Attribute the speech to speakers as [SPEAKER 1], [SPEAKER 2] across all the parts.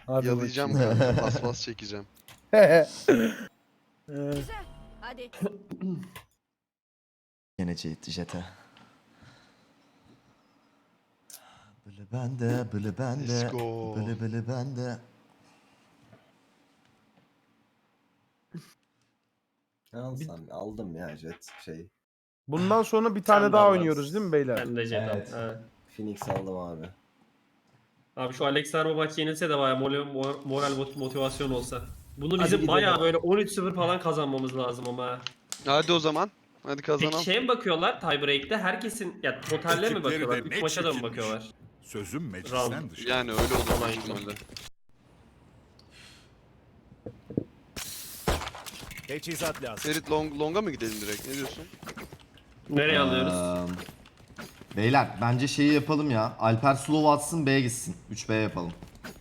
[SPEAKER 1] Hadi
[SPEAKER 2] Yalayacağım
[SPEAKER 1] bakayım.
[SPEAKER 2] kanka. Paspas çekeceğim.
[SPEAKER 3] Güzel. Hadi.
[SPEAKER 4] Gene jete. Bılı bende, bılı bende.
[SPEAKER 2] Let's go.
[SPEAKER 4] Bılı bılı bende. Aldım ya jet şey.
[SPEAKER 1] Bundan sonra bir tane
[SPEAKER 5] Sen de
[SPEAKER 1] daha
[SPEAKER 5] al
[SPEAKER 1] oynuyoruz
[SPEAKER 5] lan.
[SPEAKER 1] değil mi beyler?
[SPEAKER 5] Ben de jet
[SPEAKER 4] Evet.
[SPEAKER 5] al. Ha.
[SPEAKER 4] Phoenix aldım abi.
[SPEAKER 5] Abi şu Alexander bu maç yenilse de bayağı moral motivasyon olsa. Bunu
[SPEAKER 4] Hadi
[SPEAKER 5] bizim
[SPEAKER 4] gidelim.
[SPEAKER 5] bayağı böyle 13-0 falan kazanmamız lazım ama.
[SPEAKER 2] Hadi o zaman. Hadi
[SPEAKER 5] Peki
[SPEAKER 2] kazanalım.
[SPEAKER 5] şeye mi bakıyorlar tiebreak'te? Herkesin ya totalle mi
[SPEAKER 6] Ekipleri
[SPEAKER 5] bakıyorlar?
[SPEAKER 6] de
[SPEAKER 5] 3
[SPEAKER 6] ne
[SPEAKER 5] maça da mı
[SPEAKER 6] çekilmiş.
[SPEAKER 5] bakıyorlar?
[SPEAKER 6] Sözüm
[SPEAKER 5] Round.
[SPEAKER 6] meclisten dışı.
[SPEAKER 2] Yani öyle olur
[SPEAKER 5] Tamam,
[SPEAKER 2] büyük ihtimalle.
[SPEAKER 6] Teçhizat lazım.
[SPEAKER 2] Ferit longa mı gidelim direkt? Ne diyorsun?
[SPEAKER 5] Nereye alıyoruz?
[SPEAKER 4] Beyler bence şeyi yapalım ya. Alper slow atsın B'ye gitsin. 3B yapalım.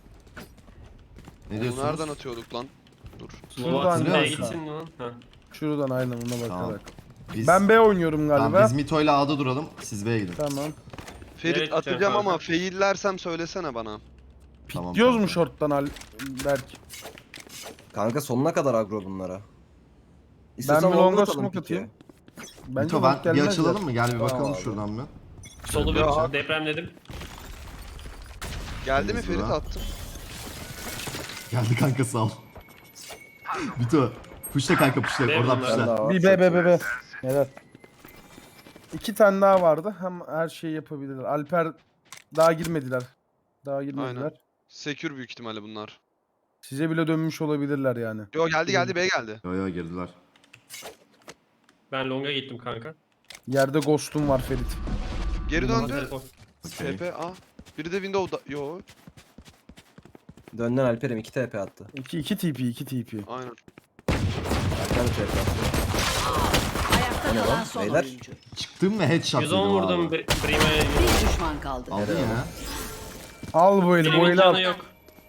[SPEAKER 4] Ne
[SPEAKER 2] Onu
[SPEAKER 4] diyorsunuz?
[SPEAKER 2] nereden atıyorduk lan? Dur.
[SPEAKER 5] Slova
[SPEAKER 1] Şuradan
[SPEAKER 5] B'ye
[SPEAKER 4] ya.
[SPEAKER 5] gitsin lan. Ha.
[SPEAKER 1] Şuradan aynen ona
[SPEAKER 4] Tamam.
[SPEAKER 1] bakarak.
[SPEAKER 4] Biz,
[SPEAKER 1] Ben B oynuyorum
[SPEAKER 4] tamam,
[SPEAKER 1] galiba.
[SPEAKER 4] biz Mito'yla A'da duralım. Siz B'ye gidin.
[SPEAKER 1] Tamam.
[SPEAKER 2] Ferit
[SPEAKER 5] Evet,
[SPEAKER 2] atacağım
[SPEAKER 5] kanka.
[SPEAKER 2] ama faillersem söylesene bana.
[SPEAKER 4] Tamam,
[SPEAKER 1] Diyoruz mu
[SPEAKER 4] kanka.
[SPEAKER 1] short'tan Berk?
[SPEAKER 7] Kanka sonuna kadar agro bunlara.
[SPEAKER 1] Ben
[SPEAKER 7] İstiyorsan
[SPEAKER 1] bir
[SPEAKER 7] longa
[SPEAKER 1] longa
[SPEAKER 7] atalım
[SPEAKER 1] smoke
[SPEAKER 7] piki.
[SPEAKER 1] atayım. Bence
[SPEAKER 4] Mito
[SPEAKER 1] long
[SPEAKER 4] bir
[SPEAKER 1] gelmez
[SPEAKER 4] açılalım
[SPEAKER 1] ya.
[SPEAKER 4] mı? Gel bir
[SPEAKER 7] Tamam
[SPEAKER 4] bakalım
[SPEAKER 7] abi.
[SPEAKER 4] şuradan bir.
[SPEAKER 5] Solu
[SPEAKER 2] Ya.
[SPEAKER 5] bir depremledim.
[SPEAKER 2] Geldi mi
[SPEAKER 4] Temiz
[SPEAKER 2] Ferit
[SPEAKER 4] bura.
[SPEAKER 2] attım.
[SPEAKER 4] Geldi kanka sağ ol. Mito. Puşla kanka puşla.
[SPEAKER 5] Benim
[SPEAKER 4] Oradan
[SPEAKER 5] bunlar.
[SPEAKER 7] Ben
[SPEAKER 4] puşla.
[SPEAKER 7] daha var.
[SPEAKER 1] Bir B. Evet. 2 tane daha vardı. Hem her şeyi yapabilirler. Alper daha girmediler. Daha girmediler.
[SPEAKER 2] Aynen. Secure büyük ihtimalle bunlar.
[SPEAKER 1] Size bile dönmüş olabilirler yani.
[SPEAKER 2] Yo geldi B geldi.
[SPEAKER 4] Yo yo girdiler.
[SPEAKER 5] Ben longa gittim kanka.
[SPEAKER 1] Yerde ghost'um var Ferit.
[SPEAKER 2] Geri döndü.
[SPEAKER 5] Telefon.
[SPEAKER 4] Okey.
[SPEAKER 2] TP A. Biri de Windows'da. Yo.
[SPEAKER 7] Dönden Alper'im 2 TP attı.
[SPEAKER 1] 2 TP 2 TP.
[SPEAKER 2] Aynen.
[SPEAKER 7] Alper de TP attı.
[SPEAKER 3] Ayakta
[SPEAKER 7] O ne
[SPEAKER 3] kalan
[SPEAKER 7] lan?
[SPEAKER 3] son
[SPEAKER 7] Beyler?
[SPEAKER 3] oyuncu.
[SPEAKER 4] Çıktın mı headshot
[SPEAKER 5] 110
[SPEAKER 4] dedim
[SPEAKER 5] vurdum
[SPEAKER 4] abi.
[SPEAKER 5] Brime.
[SPEAKER 3] Bir düşman kaldı.
[SPEAKER 4] Aldın ya.
[SPEAKER 1] Al bu eli, bu
[SPEAKER 5] Benim
[SPEAKER 1] eli al.
[SPEAKER 5] canı yok.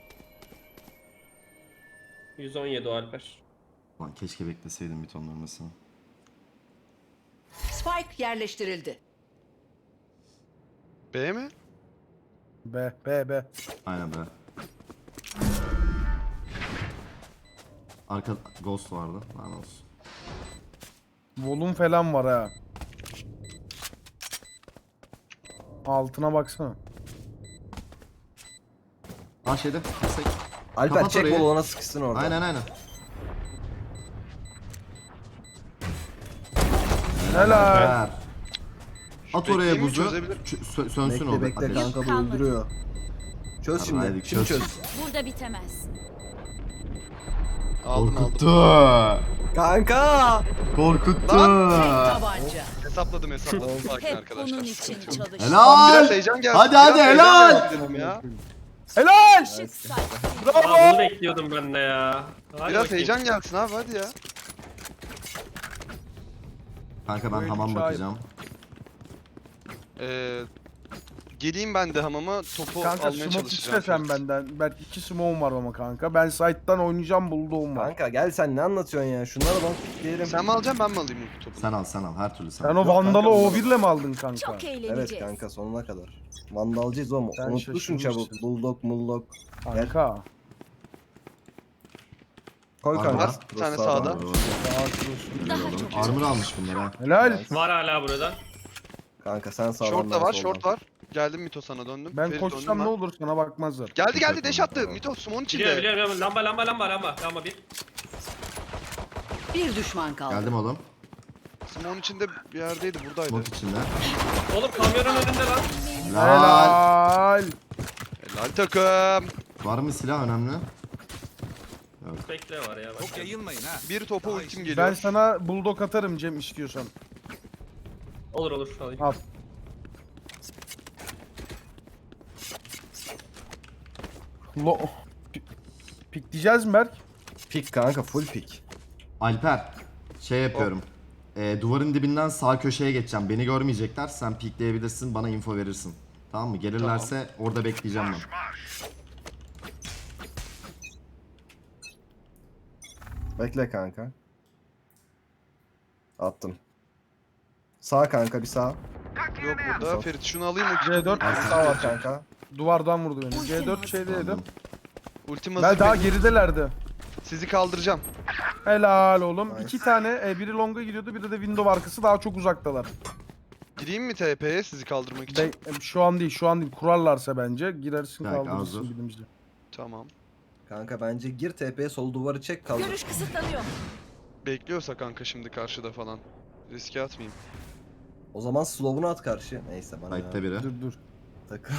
[SPEAKER 5] 117 o Alper.
[SPEAKER 4] Lan keşke bekleseydim Mito'nun ölmesini.
[SPEAKER 3] Spike yerleştirildi.
[SPEAKER 2] B mi?
[SPEAKER 1] B.
[SPEAKER 4] Aynen be. Arka ghost vardı. Lan olsun.
[SPEAKER 1] Volum falan var ha. Altına baksana.
[SPEAKER 4] Aa şeyde. Destek.
[SPEAKER 7] Alper
[SPEAKER 4] Kapat
[SPEAKER 7] çek
[SPEAKER 4] orayı.
[SPEAKER 7] bol ona sıkışsın orada.
[SPEAKER 4] Aynen.
[SPEAKER 1] Helal.
[SPEAKER 4] Ver. At oraya
[SPEAKER 2] Bekleyeyim mi?
[SPEAKER 4] buzu.
[SPEAKER 2] Çözebilir.
[SPEAKER 4] Sönsün o
[SPEAKER 7] Bekle
[SPEAKER 4] ateş.
[SPEAKER 7] kanka bu
[SPEAKER 3] Kalmadı.
[SPEAKER 7] öldürüyor. Çöz şimdi.
[SPEAKER 4] Haydi
[SPEAKER 7] Şimdi
[SPEAKER 4] çöz.
[SPEAKER 7] çöz.
[SPEAKER 3] Burada bitemez.
[SPEAKER 2] Aldım.
[SPEAKER 4] Korkuttu.
[SPEAKER 7] Kanka!
[SPEAKER 4] Korkuttu.
[SPEAKER 3] Tabanca.
[SPEAKER 2] Hesapladım. Sakin
[SPEAKER 3] Hep
[SPEAKER 2] arkadaşlar.
[SPEAKER 3] bunun için çalış.
[SPEAKER 2] Biraz
[SPEAKER 4] Helal.
[SPEAKER 2] heyecan gelsin.
[SPEAKER 4] Hadi,
[SPEAKER 2] biraz
[SPEAKER 4] hadi,
[SPEAKER 2] heyecan
[SPEAKER 4] helal.
[SPEAKER 2] gelsin dedim ya.
[SPEAKER 1] Helal.
[SPEAKER 3] Işık saç.
[SPEAKER 5] Aa, bunu bekliyordum ben de ya. Hadi
[SPEAKER 2] Biraz
[SPEAKER 5] bakayım.
[SPEAKER 2] heyecan gelsin abi hadi ya.
[SPEAKER 4] Kanka ben
[SPEAKER 1] Bu
[SPEAKER 4] hamam
[SPEAKER 1] el
[SPEAKER 4] bakacağım.
[SPEAKER 2] Geleyim ben de hamama topu
[SPEAKER 1] Kanka
[SPEAKER 2] almaya
[SPEAKER 1] smoke
[SPEAKER 2] çalışacağım.
[SPEAKER 1] iste sen benden. Belki 2 smoke'um var ama kanka. Ben side'dan oynayacağım, bulduğum var.
[SPEAKER 7] Kanka gel sen ne anlatıyorsun ya? Şunlara long diyelim.
[SPEAKER 2] Sen mi alacaksın ben mi alayım bu topu?
[SPEAKER 4] Sen al her türlü sen.
[SPEAKER 1] Sen
[SPEAKER 4] al.
[SPEAKER 1] o Vandal'ı
[SPEAKER 7] kanka,
[SPEAKER 1] O1'le mi aldın kanka?
[SPEAKER 3] Çok eğleneceğiz.
[SPEAKER 7] Evet kanka sonuna kadar. Vandalcıyız oğlum.
[SPEAKER 1] Sen
[SPEAKER 7] Unutmuşsun çabuk.
[SPEAKER 1] şaşırmışsın.
[SPEAKER 7] Bulldog mullog.
[SPEAKER 1] Kanka.
[SPEAKER 7] Koy
[SPEAKER 4] Var,
[SPEAKER 7] kanka.
[SPEAKER 4] var.
[SPEAKER 2] Bir tane
[SPEAKER 7] Crossbar
[SPEAKER 2] sağda.
[SPEAKER 7] var.
[SPEAKER 3] Daha çok
[SPEAKER 4] Armor almış bunlar ha.
[SPEAKER 1] Helal.
[SPEAKER 5] Var hala burada.
[SPEAKER 7] Kanka sen sağdan
[SPEAKER 2] Short da
[SPEAKER 7] ben
[SPEAKER 2] var,
[SPEAKER 7] soldan.
[SPEAKER 2] short var. Geldim Mito sana döndüm.
[SPEAKER 1] Ben
[SPEAKER 2] Ferit
[SPEAKER 1] koşsam
[SPEAKER 2] döndüm
[SPEAKER 1] ne
[SPEAKER 2] ben.
[SPEAKER 1] olur sana bakmazlar.
[SPEAKER 2] Geldi deş attı. Mito smoke'un içinde.
[SPEAKER 5] Biliyorum. Lamba bir.
[SPEAKER 3] bir düşman kaldı.
[SPEAKER 4] Geldim oğlum.
[SPEAKER 2] Smoke'un içinde bir yerdeydi buradaydı.
[SPEAKER 4] Smoke içinde.
[SPEAKER 5] Oğlum kamyonun önünde lan.
[SPEAKER 4] Helal.
[SPEAKER 1] Helal.
[SPEAKER 2] Helal takım.
[SPEAKER 4] Var mı silah önemli?
[SPEAKER 5] Bekle var ya.
[SPEAKER 6] Çok yayılmayın ha.
[SPEAKER 2] Bir topa ultim geliyor.
[SPEAKER 1] Ben sana bulldog atarım Cem istiyorsan.
[SPEAKER 5] Olur alayım.
[SPEAKER 1] Al. Pik diyeceğiz mi Berk?
[SPEAKER 7] Pik kanka full pik.
[SPEAKER 4] Alper. Şey yapıyorum. Duvarın dibinden sağ köşeye geçeceğim. Beni görmeyecekler. Sen pikleyebilirsin. Bana info verirsin. Tamam mı? Gelirlerse orada bekleyeceğim ben.
[SPEAKER 7] Bekle kanka. Attım. Sağ kanka bir sağ.
[SPEAKER 2] Yok burada. Ferit şunu alayım mı?
[SPEAKER 1] C4
[SPEAKER 7] Sağ var kanka.
[SPEAKER 1] duvardan vurdu beni. C4 şeyde yedim.
[SPEAKER 4] Aldım.
[SPEAKER 2] Ultim
[SPEAKER 1] Ben
[SPEAKER 2] hazır
[SPEAKER 1] daha
[SPEAKER 2] benim.
[SPEAKER 1] geridelerdi.
[SPEAKER 2] Sizi kaldıracağım.
[SPEAKER 1] Helal oğlum.
[SPEAKER 7] Nice.
[SPEAKER 1] 2 tane biri longa gidiyordu, biri de window arkası daha çok uzaktalar.
[SPEAKER 2] Gireyim mi TP'ye sizi kaldırmak için?
[SPEAKER 1] Şu an değil, şu an değil. Kurarlarsa bence girersin,
[SPEAKER 4] Kanka,
[SPEAKER 1] kaldırırsın
[SPEAKER 4] hazır.
[SPEAKER 1] bilimci.
[SPEAKER 2] Tamam.
[SPEAKER 7] Kanka bence gir TP'ye sol duvarı çek kaldır.
[SPEAKER 3] Görüş kısıtlanıyor.
[SPEAKER 2] Bekliyorsa kanka şimdi karşıda falan. Riske atmayayım.
[SPEAKER 7] O zaman slow'unu at karşı. Neyse bana
[SPEAKER 4] Site'de
[SPEAKER 7] ya.
[SPEAKER 4] biri.
[SPEAKER 1] Dur.
[SPEAKER 7] Takıl.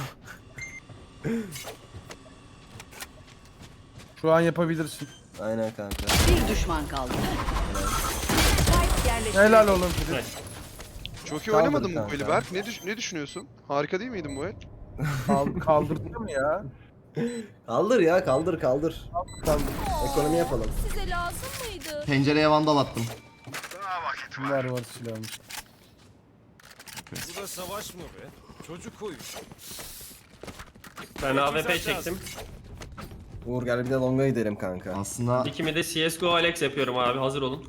[SPEAKER 1] Şu an yapabilirsin.
[SPEAKER 7] Aynen kanka.
[SPEAKER 3] Bir düşman kaldı. Spike yerleştirildi.
[SPEAKER 1] Helal oğlum Filiz.
[SPEAKER 5] Evet.
[SPEAKER 2] Çok iyi
[SPEAKER 7] Kaldır
[SPEAKER 2] oynamadın mı bu
[SPEAKER 7] kanka.
[SPEAKER 2] eli Berk? Ne düşünüyorsun? Harika değil miydin bu el?
[SPEAKER 1] Kaldırdı mı ya?
[SPEAKER 7] Kaldır ya kaldır.
[SPEAKER 1] Kaldır.
[SPEAKER 7] Ekonomi yapalım.
[SPEAKER 3] Size lazım mıydı?
[SPEAKER 4] Pencereye vandal attım.
[SPEAKER 1] Var silahım.
[SPEAKER 6] Bu da savaş mı be? Çocuk oyun.
[SPEAKER 5] Ben AWP çektim.
[SPEAKER 7] Uğur gel bir de longa gidelim kanka.
[SPEAKER 4] Aslında
[SPEAKER 5] İkimi de CSGO Alex yapıyorum abi. Hazır olun.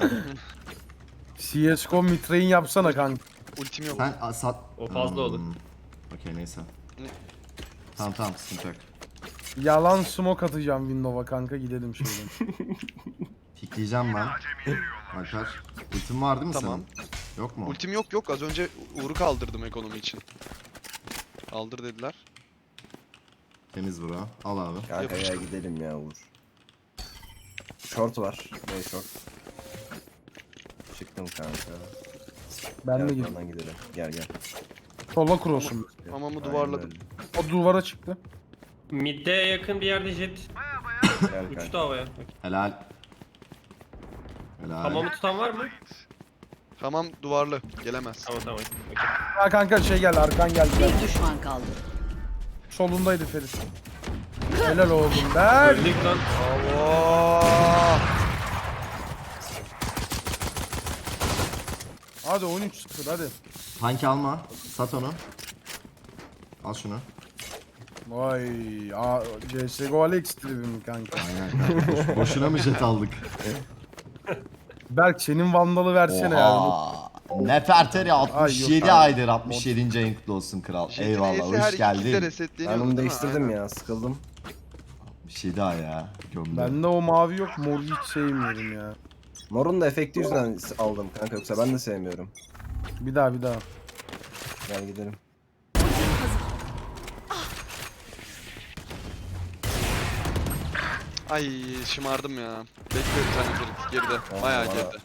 [SPEAKER 1] CSGO mitrain yapsana kanka.
[SPEAKER 2] Ultim yok.
[SPEAKER 4] sen sat...
[SPEAKER 5] O fazla olur.
[SPEAKER 4] Okey neyse.
[SPEAKER 2] Ne?
[SPEAKER 4] Tamam sıkıntı yok.
[SPEAKER 1] Yalan smoke atacağım window'a kanka, gidelim şöyle.
[SPEAKER 4] Pikleyeceğim ben. Alper. Ultim var değil mi
[SPEAKER 2] Tamam.
[SPEAKER 4] senin? Yok mu?
[SPEAKER 2] Ultim yok. Az önce Uğur'u kaldırdım ekonomi için. Kaldır dediler.
[SPEAKER 4] Temiz bura. Al abi.
[SPEAKER 7] Kanka ya
[SPEAKER 2] Yapıştır.
[SPEAKER 7] gidelim ya Uğur. Short var. Ne short? Çıktım kanka.
[SPEAKER 1] Ben de
[SPEAKER 7] Gel
[SPEAKER 1] girdim.
[SPEAKER 7] buradan gidelim. Gel.
[SPEAKER 1] Sola cross'um.
[SPEAKER 2] Hamamı
[SPEAKER 7] Aynen
[SPEAKER 2] duvarladım.
[SPEAKER 7] öyle.
[SPEAKER 1] O duvara çıktı.
[SPEAKER 5] Mid'de yakın bir yerde jet.
[SPEAKER 7] Gel
[SPEAKER 5] Uçtu
[SPEAKER 7] kanka.
[SPEAKER 5] havaya.
[SPEAKER 4] Helal. Helal.
[SPEAKER 5] Hamamı tutan var mı?
[SPEAKER 2] Hamam duvarlı. Gelemez.
[SPEAKER 5] Tamam. Okey.
[SPEAKER 1] Ha kanka şey geldi, arkan geldi.
[SPEAKER 3] Bir düşman kaldı.
[SPEAKER 1] Solundaydı Ferit. Helal oğlum ben.
[SPEAKER 5] Öldük lan.
[SPEAKER 1] Allah. Hadi 13-0 hadi.
[SPEAKER 4] Tanki alma. Sat onu. Al şunu.
[SPEAKER 1] Vay, CSGO Alex tribim kanka.
[SPEAKER 4] Aynen kanka. Boşuna mı jet aldık?
[SPEAKER 1] Berk senin vandalı versene ya.
[SPEAKER 4] Oha. Nefertari 67
[SPEAKER 1] Ay, yok abi.
[SPEAKER 4] aydır. 67. ayın kutlu olsun kral.
[SPEAKER 2] Jet'in
[SPEAKER 4] Eyvallah
[SPEAKER 2] E'si her
[SPEAKER 4] hoş
[SPEAKER 2] iki kickte
[SPEAKER 4] geldin.
[SPEAKER 2] resetleniyordu
[SPEAKER 7] Ben onu
[SPEAKER 2] değil mi?
[SPEAKER 7] değiştirdim
[SPEAKER 2] Aynen.
[SPEAKER 7] ya. Sıkıldım.
[SPEAKER 4] 67 ay ya. Gömdü.
[SPEAKER 1] Bende o mavi yok, moru hiç sevmiyorum ya.
[SPEAKER 7] Mor'un da efekti yüzünden aldım kanka. Yoksa ben de sevmiyorum.
[SPEAKER 1] Bir daha.
[SPEAKER 7] Gel gidelim.
[SPEAKER 2] Ay şımardım ya. Bekle bir tane Ferit geride. Bayağı
[SPEAKER 7] bana-
[SPEAKER 2] geride.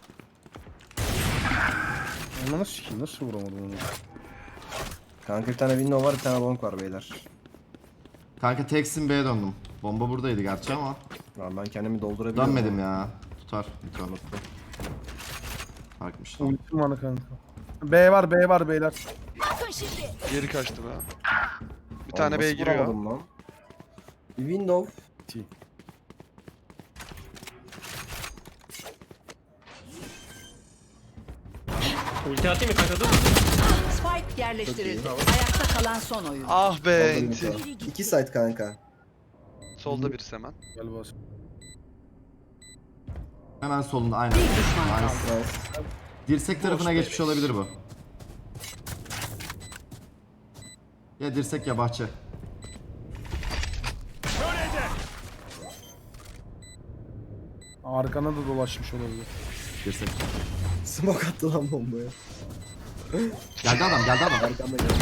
[SPEAKER 1] Onu nasıl vuramadım onu?
[SPEAKER 7] Kanka bir tane window var, bir tane long var beyler.
[SPEAKER 4] Kanka teksin B'ye döndüm. Bomba buradaydı gerçi ama.
[SPEAKER 7] Lan ben kendimi doldurabilirim.
[SPEAKER 4] Dönmedim ya. Tutar. Tutar. Farkmış lan.
[SPEAKER 1] Ultim var kanka. B var beyler.
[SPEAKER 3] Bakın şimdi.
[SPEAKER 2] Geri kaçtı be. Bir tane B giriyor.
[SPEAKER 7] Lan. Bir window.
[SPEAKER 5] Ulti atayım mı kanka dur.
[SPEAKER 3] Spike yerleştirildi. Ayakta kalan son oyun.
[SPEAKER 2] Ah be enti.
[SPEAKER 7] İki site kanka.
[SPEAKER 2] Solda birisi hemen.
[SPEAKER 1] Gel bas.
[SPEAKER 4] Hemen solunda aynen.
[SPEAKER 3] Bir düşman kaldı.
[SPEAKER 7] Nice.
[SPEAKER 4] Dirsek tarafına geçmiş olabilir bu. Ya dirsek ya bahçe.
[SPEAKER 1] Arkana da dolaşmış olabilir.
[SPEAKER 4] Dirsek.
[SPEAKER 7] Smoke attı lan bombaya.
[SPEAKER 4] Geldi adam geldi adam.
[SPEAKER 7] Arkamda gel.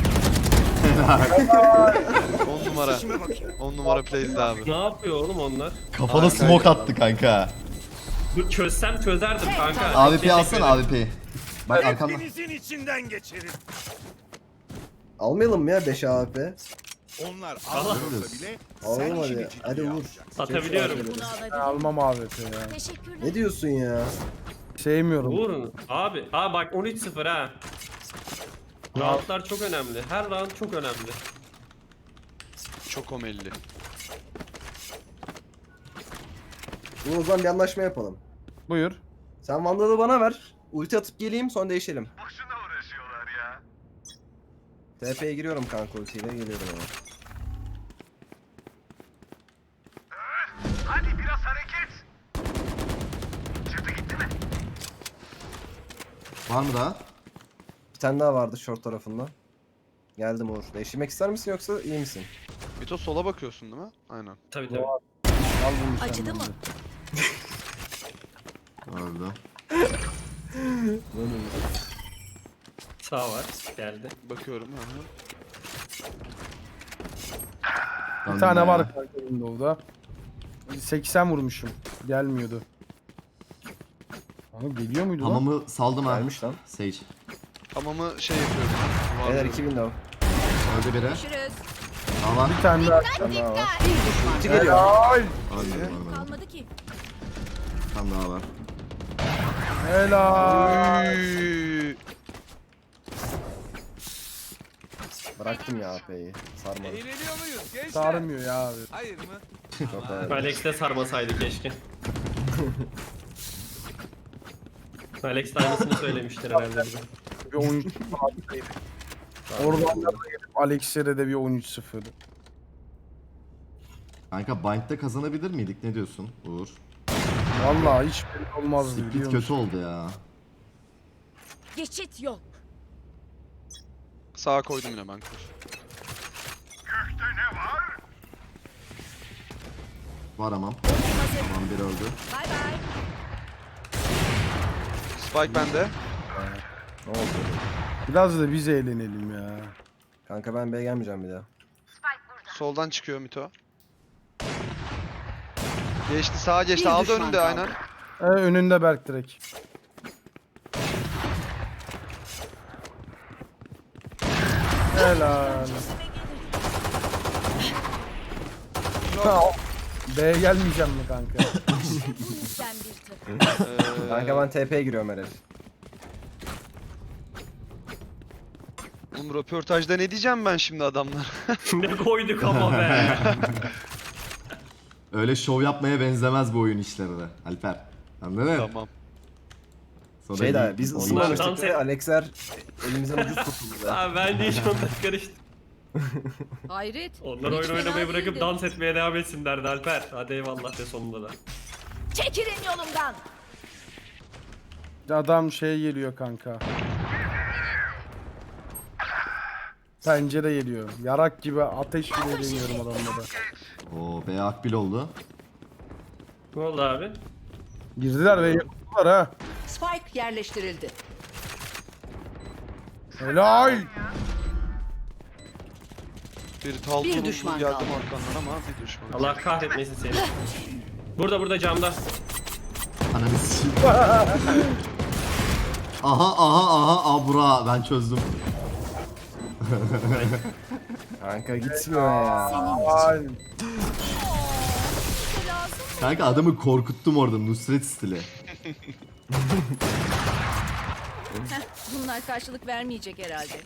[SPEAKER 2] 10 numara. 10 numara plays'di abi.
[SPEAKER 5] Ne yapıyor oğlum onlar?
[SPEAKER 4] Kafana smoke attı kanka.
[SPEAKER 5] Dur çözsem çözerdim kanka.
[SPEAKER 4] AWP
[SPEAKER 5] Teşekkür
[SPEAKER 4] alsana
[SPEAKER 5] ederim.
[SPEAKER 4] AWP'yi. Bak arkamda.
[SPEAKER 6] Hepinizin içinden geçerim.
[SPEAKER 7] Almayalım mı ya 5 AWP?
[SPEAKER 6] Onlar
[SPEAKER 5] Allah.
[SPEAKER 6] almıyorsa bile
[SPEAKER 7] Alalım
[SPEAKER 6] sen
[SPEAKER 7] hadi.
[SPEAKER 6] işini
[SPEAKER 7] Hadi
[SPEAKER 6] ciddiye
[SPEAKER 7] vur.
[SPEAKER 6] alacaksın.
[SPEAKER 5] Atabiliyorum.
[SPEAKER 3] Bunu
[SPEAKER 1] Ben
[SPEAKER 3] alabilirim.
[SPEAKER 1] almam AWP ya.
[SPEAKER 3] Teşekkürler.
[SPEAKER 7] Ne diyorsun ya?
[SPEAKER 1] Sevmiyorum.
[SPEAKER 5] Vurun. Abi. Bak 13-0 ha. Roundlar çok önemli. Her round çok önemli.
[SPEAKER 2] Çok omelli.
[SPEAKER 7] Dur o zaman bir anlaşma yapalım.
[SPEAKER 1] Buyur.
[SPEAKER 7] Sen Vandal'ı bana ver. Ulti atıp geleyim sonra değişelim.
[SPEAKER 6] Boşuna uğraşıyorlar ya.
[SPEAKER 7] TP'ye giriyorum kanka ultiyle geliyorum ama.
[SPEAKER 6] Hadi biraz hareket. Çıktı gitti mi?
[SPEAKER 4] Var mı daha?
[SPEAKER 7] Bir tane daha vardı short tarafında. Geldim Uğur. Değiştirmek ister misin yoksa iyi misin?
[SPEAKER 2] Mito sola bakıyorsun değil mi? Aynen.
[SPEAKER 5] Tabii tabii.
[SPEAKER 1] Al bunu sen
[SPEAKER 3] Acıdı mı?
[SPEAKER 1] bence.
[SPEAKER 4] Öldü.
[SPEAKER 5] Sağ var. Geldi.
[SPEAKER 2] Bakıyorum. Hı hı.
[SPEAKER 1] Bir tane var kanka Windows'da. 80 vurmuşum. Gelmiyordu. Abi geliyor muydu lan?
[SPEAKER 4] Hamamı saldım ha.
[SPEAKER 7] Gelmiş lan.
[SPEAKER 4] Sage.
[SPEAKER 2] Hamamı şey yapıyorum.
[SPEAKER 7] Beyler
[SPEAKER 2] Duvarlıyorum.
[SPEAKER 7] 2 window.
[SPEAKER 4] Öldü biri.
[SPEAKER 3] Görüşürüz.
[SPEAKER 4] Daha var.
[SPEAKER 1] Bir tane daha.
[SPEAKER 7] Bir tane daha var.
[SPEAKER 3] Bir düşman
[SPEAKER 7] Ulti
[SPEAKER 3] kaldı.
[SPEAKER 7] geliyor.
[SPEAKER 1] Helal.
[SPEAKER 4] Ölmedi.
[SPEAKER 3] Kalmadı ki.
[SPEAKER 4] Bir tane daha var.
[SPEAKER 1] Helal.
[SPEAKER 2] Üy.
[SPEAKER 7] Bıraktım ya AP'yi. Sarmadı.
[SPEAKER 6] Eğleniyor muyuz gençler?
[SPEAKER 1] Sarmıyor ya abi.
[SPEAKER 6] Hayır mı?
[SPEAKER 7] Çok ağır.
[SPEAKER 5] Alex de sarmasaydı keşke. Alex de aynısını söylemiştir herhalde bize.
[SPEAKER 1] Bir 13 Oradan da gelip Alex'e de bir 13-0.
[SPEAKER 4] Kanka Bind'de kazanabilir miydik? Ne diyorsun Uğur?
[SPEAKER 1] Vallahi hiç belli olmazdı biliyor
[SPEAKER 4] Split
[SPEAKER 1] musun?
[SPEAKER 4] kötü oldu ya.
[SPEAKER 3] Geçit yok.
[SPEAKER 2] Sağa koydum yine ben kur.
[SPEAKER 4] Var amam. Tamam biri öldü.
[SPEAKER 3] Bay bay.
[SPEAKER 2] Spike bende.
[SPEAKER 7] Ne oldu?
[SPEAKER 1] Biraz da biz eğlenelim ya.
[SPEAKER 7] Kanka ben B'ye gelmeyeceğim bir daha.
[SPEAKER 2] Soldan çıkıyor Mito. Geçti sağa geçti.
[SPEAKER 3] Bir
[SPEAKER 2] Aldı
[SPEAKER 3] düşman
[SPEAKER 2] önünde
[SPEAKER 3] kaldı.
[SPEAKER 2] aynen.
[SPEAKER 1] Önünde Berk direkt. Helal. Ha, B'ye gelmeyeceğim mi kanka?
[SPEAKER 3] Sen bir takım.
[SPEAKER 7] Kanka ben TP'ye giriyorum herhalde.
[SPEAKER 2] Oğlum röportajda ne diyeceğim ben şimdi adamlar?
[SPEAKER 5] Ne koyduk ama be.
[SPEAKER 4] Öyle şov yapmaya benzemez bu oyun işleri de Alper. Anladın mı?
[SPEAKER 2] Tamam.
[SPEAKER 4] Sonra
[SPEAKER 7] Şey
[SPEAKER 4] bir-
[SPEAKER 7] de biz
[SPEAKER 5] Onlar
[SPEAKER 7] ısınmamıştık
[SPEAKER 5] dans
[SPEAKER 7] ve
[SPEAKER 5] et-
[SPEAKER 7] Alexer elimizden ucuz kurtuldu be.
[SPEAKER 5] Abi ben de hiç onları karıştım.
[SPEAKER 3] Hayret.
[SPEAKER 5] Onlar
[SPEAKER 3] Hiç
[SPEAKER 5] oyun
[SPEAKER 3] fena
[SPEAKER 5] oynamayı bırakıp
[SPEAKER 3] değildi.
[SPEAKER 5] dans etmeye devam etsinlerdi Alper. Hadi eyvallah de sonunda da.
[SPEAKER 3] Çekilin yolumdan.
[SPEAKER 1] Adam şey geliyor kanka. Pencere geliyor. Yarak gibi ateş bile deniyorum adamlara.
[SPEAKER 4] Oo B akbil oldu.
[SPEAKER 5] Ne oldu abi?
[SPEAKER 1] Girdiler ve yaptılar ha.
[SPEAKER 3] Spike yerleştirildi.
[SPEAKER 1] Helal.
[SPEAKER 2] Bir talton
[SPEAKER 3] Bir
[SPEAKER 2] uzun
[SPEAKER 3] düşman
[SPEAKER 2] geldim
[SPEAKER 3] kaldı.
[SPEAKER 2] arkandan ama bir düşman.
[SPEAKER 5] Allah kahretmesin seni. Burada camda.
[SPEAKER 4] Ananı sikeyim. aha abra ben çözdüm.
[SPEAKER 7] Kanka gitmiyor ya.
[SPEAKER 1] Helal.
[SPEAKER 4] Kanka adamı korkuttum orada Nusret stili.
[SPEAKER 3] Bunlar karşılık vermeyecek herhalde.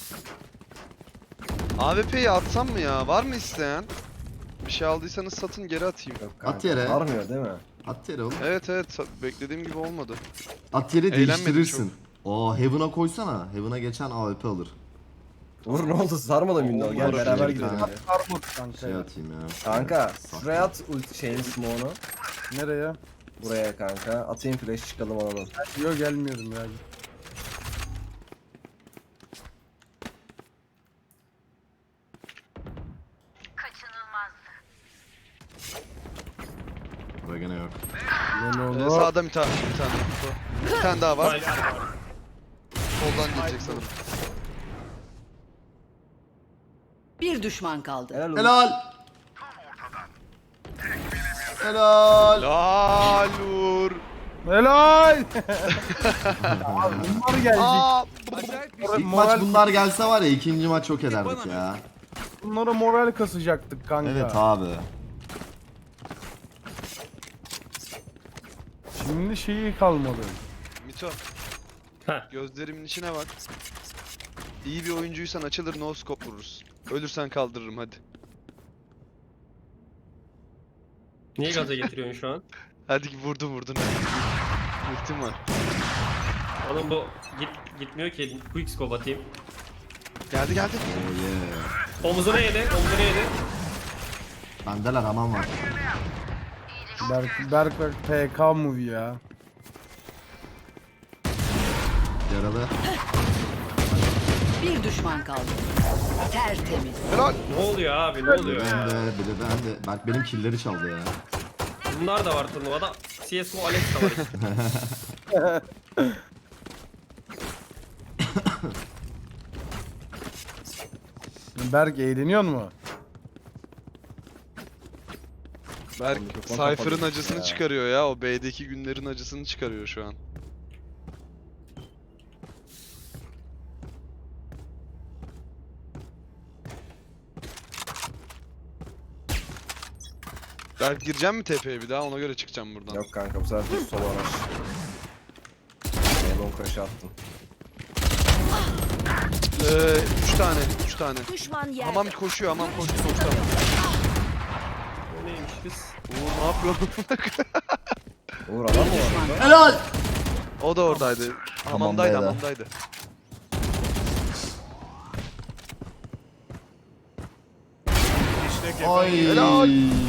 [SPEAKER 2] AWP'yi atsam mı ya? Var mı isteyen? Bir şey aldıysanız satın geri atayım.
[SPEAKER 7] Yok kanka.
[SPEAKER 4] At yere.
[SPEAKER 7] Sarmıyor değil mi?
[SPEAKER 4] At yere oğlum.
[SPEAKER 2] Evet beklediğim gibi olmadı.
[SPEAKER 4] At yere
[SPEAKER 2] Eğlenmedim
[SPEAKER 4] değiştirirsin. Oo Heaven'a koysana. Heaven'a geçen AWP alır.
[SPEAKER 7] Uğur ne oldu? Sarmadı window. Gel
[SPEAKER 2] Uğur,
[SPEAKER 7] beraber
[SPEAKER 4] bir
[SPEAKER 7] gidelim.
[SPEAKER 4] tane.
[SPEAKER 7] hadi.
[SPEAKER 1] Sarmadı kanka
[SPEAKER 4] Şey
[SPEAKER 1] ya.
[SPEAKER 4] atayım ya.
[SPEAKER 7] Kanka şuraya at ulti şeyini smoke'unu.
[SPEAKER 1] Nereye?
[SPEAKER 7] Buraya kanka. Atayım flash çıkalım alalım.
[SPEAKER 1] Yok gelmiyorum ya.
[SPEAKER 4] Burada gene yok.
[SPEAKER 1] Ne oldu?
[SPEAKER 2] Sağda bir tane. Bir tane daha var.
[SPEAKER 5] Alper var.
[SPEAKER 2] Soldan gelecek sanırım.
[SPEAKER 3] Bir düşman kaldı.
[SPEAKER 7] Helal olsun.
[SPEAKER 4] Helal. Helal.
[SPEAKER 2] Lalur.
[SPEAKER 1] Helal. Abi bunlar gelecek.
[SPEAKER 2] Aa,
[SPEAKER 6] Acayip bir
[SPEAKER 4] İlk maç bunlar gelse var ya ikinci maç çok ederdik ya.
[SPEAKER 1] Bunlara moral kasacaktık kanka.
[SPEAKER 4] Evet abi.
[SPEAKER 1] Şimdi şeyi kalmadı.
[SPEAKER 2] Mito.
[SPEAKER 5] Heh.
[SPEAKER 2] Gözlerimin içine bak. İyi bir oyuncuysan açılır no scope vururuz. Ölürsen kaldırırım hadi.
[SPEAKER 5] Niye gaza getiriyorsun şu an?
[SPEAKER 2] Hadi vurdun. Ultim var.
[SPEAKER 5] Oğlum bu gitmiyor ki. Quick scope atayım.
[SPEAKER 2] Geldi.
[SPEAKER 4] Oh yeah.
[SPEAKER 5] Omuzuna yedi.
[SPEAKER 4] Bendeler aman var.
[SPEAKER 1] Berk PK movie ya.
[SPEAKER 4] Yaralı.
[SPEAKER 3] Bir düşman kaldı. Tertemiz.
[SPEAKER 2] Helal.
[SPEAKER 5] Ne oluyor abi ne
[SPEAKER 4] Biri
[SPEAKER 5] oluyor ya?
[SPEAKER 4] bende, biri bende. Berk benim killleri çaldı ya.
[SPEAKER 5] Bunlar da var turnuvada. CSGO Alex de var.
[SPEAKER 1] Berk eğleniyor mu?
[SPEAKER 2] Berk
[SPEAKER 7] Mikrofon
[SPEAKER 2] Cypher'ın
[SPEAKER 7] kapalı
[SPEAKER 2] acısını
[SPEAKER 7] ya.
[SPEAKER 2] çıkarıyor ya. O B'deki günlerin acısını çıkarıyor şu an. Berk gireceğim mi TP'ye bir daha? Ona göre çıkacağım buradan.
[SPEAKER 7] Yok kanka bu sefer düz sola araç. Elon crash attım.
[SPEAKER 2] 3 tane.
[SPEAKER 3] Düşman yerde.
[SPEAKER 2] Hamam koşuyor, hamam koştu sonuçta.
[SPEAKER 5] O neymiş biz?
[SPEAKER 2] Uğur ne yapıyorsun?
[SPEAKER 7] Uğur adam mı var orada?
[SPEAKER 4] Helal!
[SPEAKER 2] O da oradaydı. Hamamdaydı,
[SPEAKER 7] Hamamdaydı.
[SPEAKER 2] hamamdaydı.
[SPEAKER 4] Ay.
[SPEAKER 2] Helal!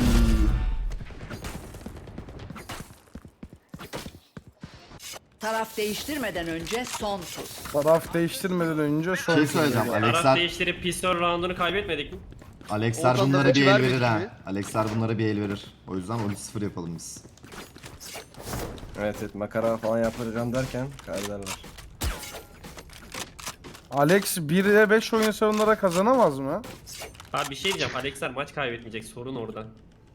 [SPEAKER 3] Taraf değiştirmeden önce son tur.
[SPEAKER 1] Taraf değiştirmeden önce son
[SPEAKER 4] Şey söyleyeceğim.
[SPEAKER 1] tur.
[SPEAKER 5] Taraf
[SPEAKER 4] Alexer,
[SPEAKER 5] değiştirip pistol roundunu kaybetmedik mi?
[SPEAKER 4] Alexer
[SPEAKER 2] Oradan da
[SPEAKER 4] bunlara
[SPEAKER 2] maçı
[SPEAKER 4] bir el
[SPEAKER 2] vermedik
[SPEAKER 4] verir ha.
[SPEAKER 2] mi?
[SPEAKER 4] Alexer bunlara bir el verir. O yüzden 13-0 yapalım biz.
[SPEAKER 7] Evet evet makara falan yapacağım derken kaybederler.
[SPEAKER 1] Alex 1'e 5 oynasa onlara kazanamaz mı?
[SPEAKER 5] Abi bir şey diyeceğim. Alexer maç kaybetmeyecek. Sorun orada.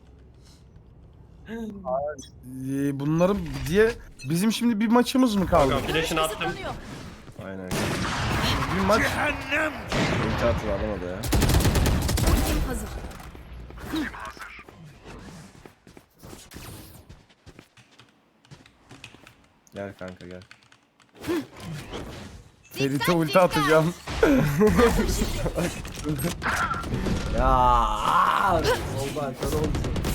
[SPEAKER 1] Bunların diye bizim şimdi bir maçımız mı kaldı?
[SPEAKER 5] Bakalım flash'ını attım.
[SPEAKER 7] Aynen.
[SPEAKER 1] Bir maç
[SPEAKER 7] İlk atı alamadı ya. Gel kanka gel.
[SPEAKER 1] Ferit'e ulti atacağım.
[SPEAKER 7] Ya oldu kör oldu.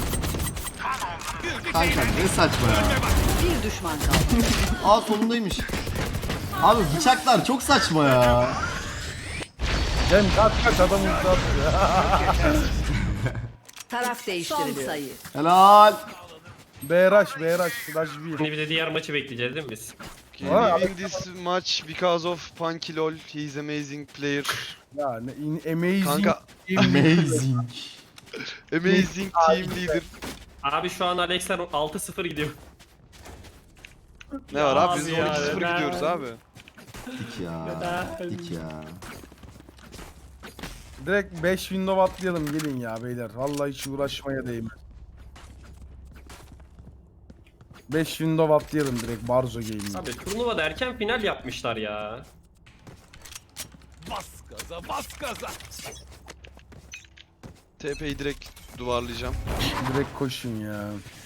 [SPEAKER 4] Kanka ne saçma ya.
[SPEAKER 3] Bir düşman kaldı.
[SPEAKER 4] Aa solundaymış. Abi bıçaklar çok saçma ya.
[SPEAKER 1] Cem kaç adam ulti atıyor.
[SPEAKER 3] Taraf değiştiriliyor. Son sayı.
[SPEAKER 4] Helal.
[SPEAKER 1] BRH Flash 1.
[SPEAKER 5] Şimdi bir de diğer maçı bekleyeceğiz değil mi biz?
[SPEAKER 2] We win this match because of Punky LOL. He's amazing player.
[SPEAKER 1] Ya amazing.
[SPEAKER 2] Kanka
[SPEAKER 4] Amazing.
[SPEAKER 2] amazing team leader.
[SPEAKER 5] Abi şu an Alexer 6-0 gidiyor.
[SPEAKER 2] Ne var abi? Biz
[SPEAKER 5] Abi ya,
[SPEAKER 2] 12-0
[SPEAKER 5] neden?
[SPEAKER 2] gidiyoruz abi.
[SPEAKER 4] Dik ya.
[SPEAKER 5] Neden?
[SPEAKER 4] Dik ya.
[SPEAKER 1] Direkt 5 window atlayalım gelin ya beyler. Vallahi hiç uğraşmaya değmez. 5 window atlayalım direkt Barzo Game'e.
[SPEAKER 5] Abi turnuvada erken final yapmışlar ya.
[SPEAKER 2] TP'yi direkt duvarlayacağım.
[SPEAKER 1] Direkt koşun ya.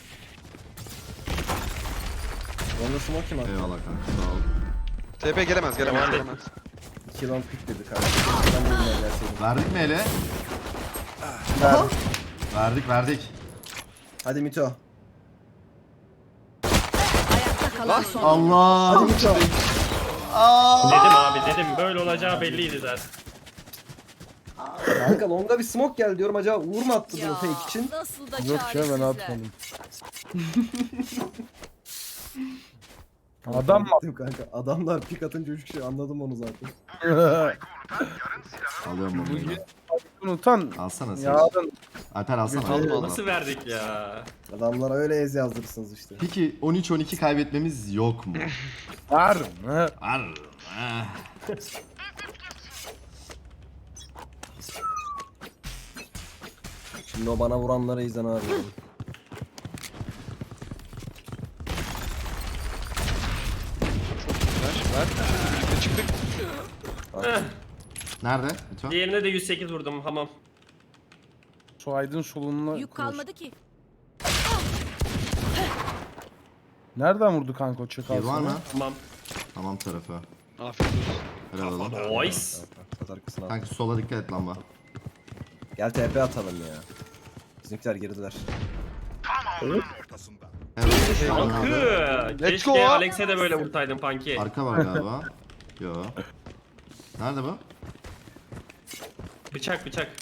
[SPEAKER 7] Onda smoke kim attı?
[SPEAKER 4] Eyvallah kanka sağ ol.
[SPEAKER 2] TP gelemez, gelemez,
[SPEAKER 5] Tamam.
[SPEAKER 2] gelemez.
[SPEAKER 7] 2 long pick dedi kanka. Ben de bilmem gelseydim.
[SPEAKER 4] Verdik mi hele? Verdik.
[SPEAKER 7] Hadi Mito.
[SPEAKER 3] Ayakta kalan son.
[SPEAKER 4] Allah.
[SPEAKER 7] Mito.
[SPEAKER 5] Dedim abi dedim böyle olacağı belliydi zaten.
[SPEAKER 7] Kanka longa bir smoke geldi diyorum acaba Uğur mu attı bunu fake için?
[SPEAKER 8] Nasıl da
[SPEAKER 1] Yok ya ben atmadım. Adam mı?
[SPEAKER 7] Attım kanka. Adamlar pick atınca 3 kişi anladım onu zaten.
[SPEAKER 4] Alıyorum bunu.
[SPEAKER 1] Unutan.
[SPEAKER 4] Alsana sen.
[SPEAKER 1] Yarın
[SPEAKER 4] Alper alsana.
[SPEAKER 2] Aldım,
[SPEAKER 4] Al.
[SPEAKER 5] Nasıl verdik ya?
[SPEAKER 7] Adamlara öyle ez yazdırırsınız işte.
[SPEAKER 4] Peki 13-12 kaybetmemiz yok mu?
[SPEAKER 1] yarın. He.
[SPEAKER 4] Var. Ah.
[SPEAKER 7] Şimdi o bana vuranlara izlen abi.
[SPEAKER 2] Ver. Birlikte çıktık.
[SPEAKER 4] Nerede? Lütfen.
[SPEAKER 5] Diğerine de 108 vurdum hamam.
[SPEAKER 1] Suaydın solununa
[SPEAKER 8] Yük
[SPEAKER 1] koş.
[SPEAKER 8] kalmadı ki.
[SPEAKER 1] Nereden vurdu kanka o çakal?
[SPEAKER 4] Kill var mı?
[SPEAKER 5] Hamam.
[SPEAKER 4] Tamam tarafı.
[SPEAKER 2] Afiyet olsun.
[SPEAKER 4] Helal oğlum.
[SPEAKER 5] Nice.
[SPEAKER 7] Sat arkasına al.
[SPEAKER 4] Kanka sola dikkat et lamba.
[SPEAKER 7] Gel TP atalım ya. Bizimkiler girdiler.
[SPEAKER 4] Evet.
[SPEAKER 5] Tankı.
[SPEAKER 2] Let's
[SPEAKER 5] Keşke
[SPEAKER 2] go.
[SPEAKER 5] Alex'e de böyle vursaydın Punky.
[SPEAKER 4] Arka var galiba. Yo. Nerede bu?
[SPEAKER 5] Bıçak.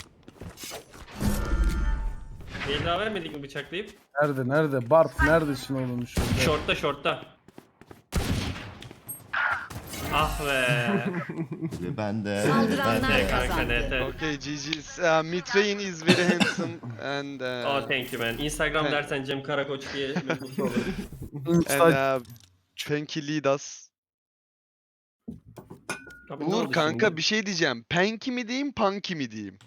[SPEAKER 5] Bir daha vermedik mi bıçaklayıp?
[SPEAKER 1] Nerede? Bart neredesin oğlum şurada?
[SPEAKER 5] Short'ta. Ah be.
[SPEAKER 4] Ben de.
[SPEAKER 3] Saldıranlar
[SPEAKER 5] Ne kanka
[SPEAKER 3] kazandı.
[SPEAKER 5] net.
[SPEAKER 2] Okay, GG's. Mitrain is very handsome and
[SPEAKER 5] Oh thank you man. Instagram
[SPEAKER 2] Ben-
[SPEAKER 5] dersen Cem Karakoç diye mutlu olurum.
[SPEAKER 2] and Penki lead us.
[SPEAKER 5] Abi ne
[SPEAKER 2] Uğur
[SPEAKER 5] oldu
[SPEAKER 2] kanka
[SPEAKER 5] şimdi?
[SPEAKER 2] bir şey diyeceğim. Penki mi diyeyim, Punky mi diyeyim?